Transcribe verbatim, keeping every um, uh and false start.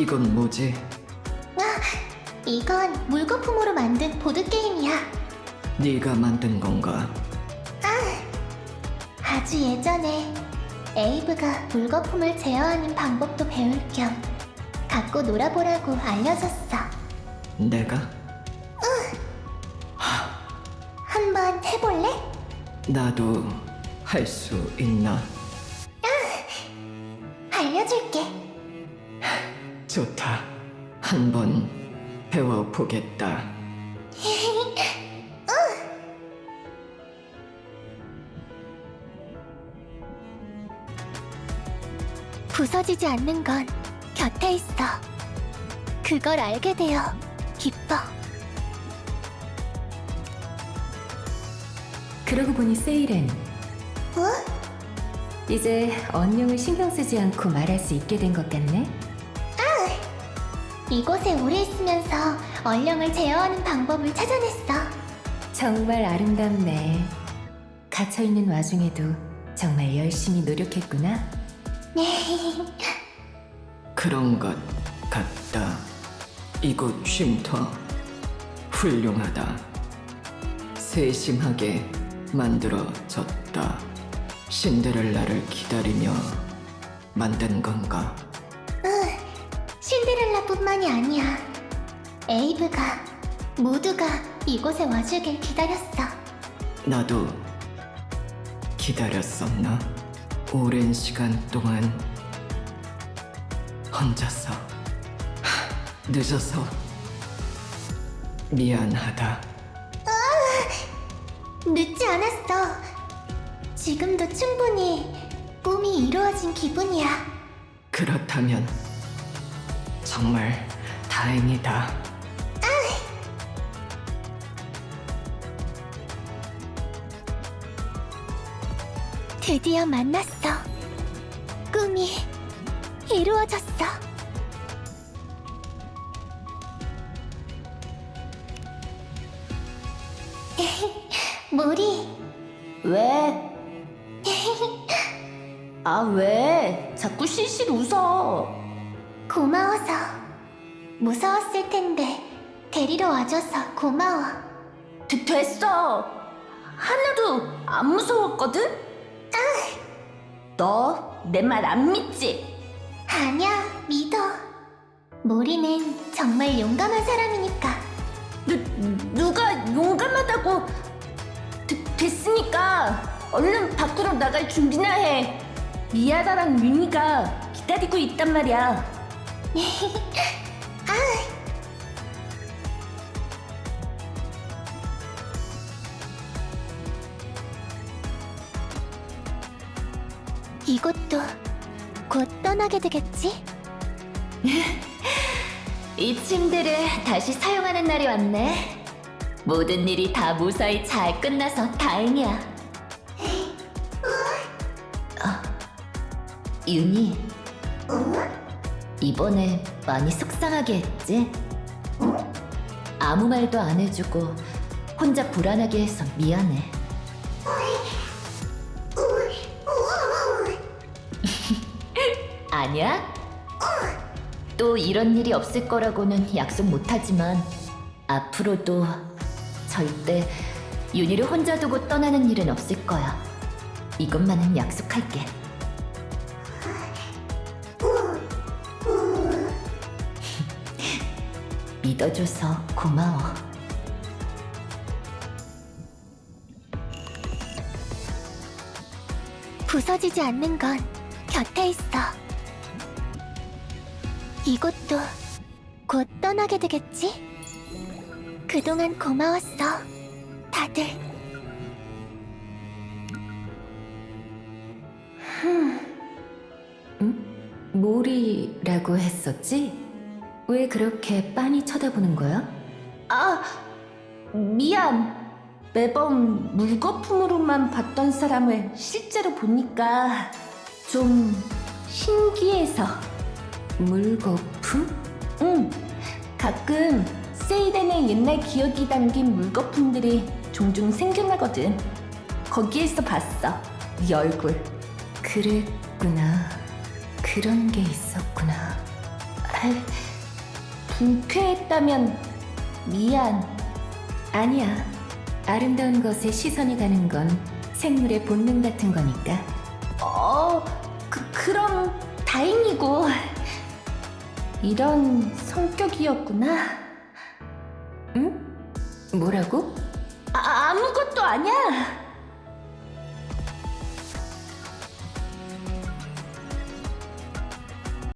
이건 뭐지? 이건 물거품으로 만든 보드게임이야. 네가 만든 건가? 아주 예전에 에이브가 물거품을 제어하는 방법도 배울 겸 갖고 놀아보라고 알려줬어. 내가? 한번 해볼래? 나도 할 수 있나? 알려줄게. 좋다. 한번 배워보겠다. 부서지지 않는 건 곁에 있어. 그걸 알게 되어 기뻐. 그러고 보니 세이렌, 어? 이제 언령을 신경 쓰지 않고 말할 수 있게 된 것 같네? 이곳에 오래 있으면서 얼령을 제어하는 방법을 찾아냈어. 정말 아름답네. 갇혀있는 와중에도 정말 열심히 노력했구나. 그런 것 같다. 이곳 쉼터 훌륭하다. 세심하게 만들어졌다. 신데렐라를 기다리며 만든 건가? 신데렐라뿐만이 아니야. 에이브가 모두가 이곳에 와주길 기다렸어. 나도 기다렸었나? 오랜 시간 동안 혼자서 하, 늦어서 미안하다. 늦지 않았어. 지금도 충분히 꿈이 이루어진 기분이야. 그렇다면 정말 다행이다. 드디어 만났어. 꿈이 이루어졌어. 모리, 왜? 아, 왜? 자꾸 실실 웃어. 고마워서. 무서웠을 텐데 데리러 와줘서 고마워. 되, 됐어. 하나도 안 무서웠거든? 너 내 말 안 믿지? 아니야, 믿어. 모리는 정말 용감한 사람이니까. 누, 누가 용감하다고? 되, 됐으니까 얼른 밖으로 나갈 준비나 해. 미아다랑 윤희가 기다리고 있단 말이야. 이곳도 곧 떠나게 되겠지? 이 침대를 다시 사용하는 날이 왔네. 모든 일이 다 무사히 잘 끝나서 다행이야. 어, 윤희, 이번에 많이 속상하게 했지? 아무 말도 안 해주고 혼자 불안하게 해서 미안해. 아니야? 또 이런 일이 없을 거라고는 약속 못하지만 앞으로도 절대 윤희를 혼자 두고 떠나는 일은 없을 거야. 이것만은 약속할게. 믿어줘서 고마워. 부서지지 않는 건 곁에 있어. 이곳도 곧 떠나게 되겠지? 그동안 고마웠어, 다들. 모리라고 했었지? 왜 그렇게 빤히 쳐다보는 거야? 아, 미안. 매번 물거품으로만 봤던 사람을 실제로 보니까 좀 신기해서. 물거품? 응, 가끔 세이렌의 옛날 기억이 담긴 물거품들이 종종 생겨나거든. 거기에서 봤어, 네 얼굴. 그랬구나. 그런 게 있었구나. 불쾌했다면 미안. 아니야. 아름다운 것에 시선이 가는 건 생물의 본능 같은 거니까. 어, 그, 그럼 다행이고. 이런 성격이었구나. 응? 뭐라고?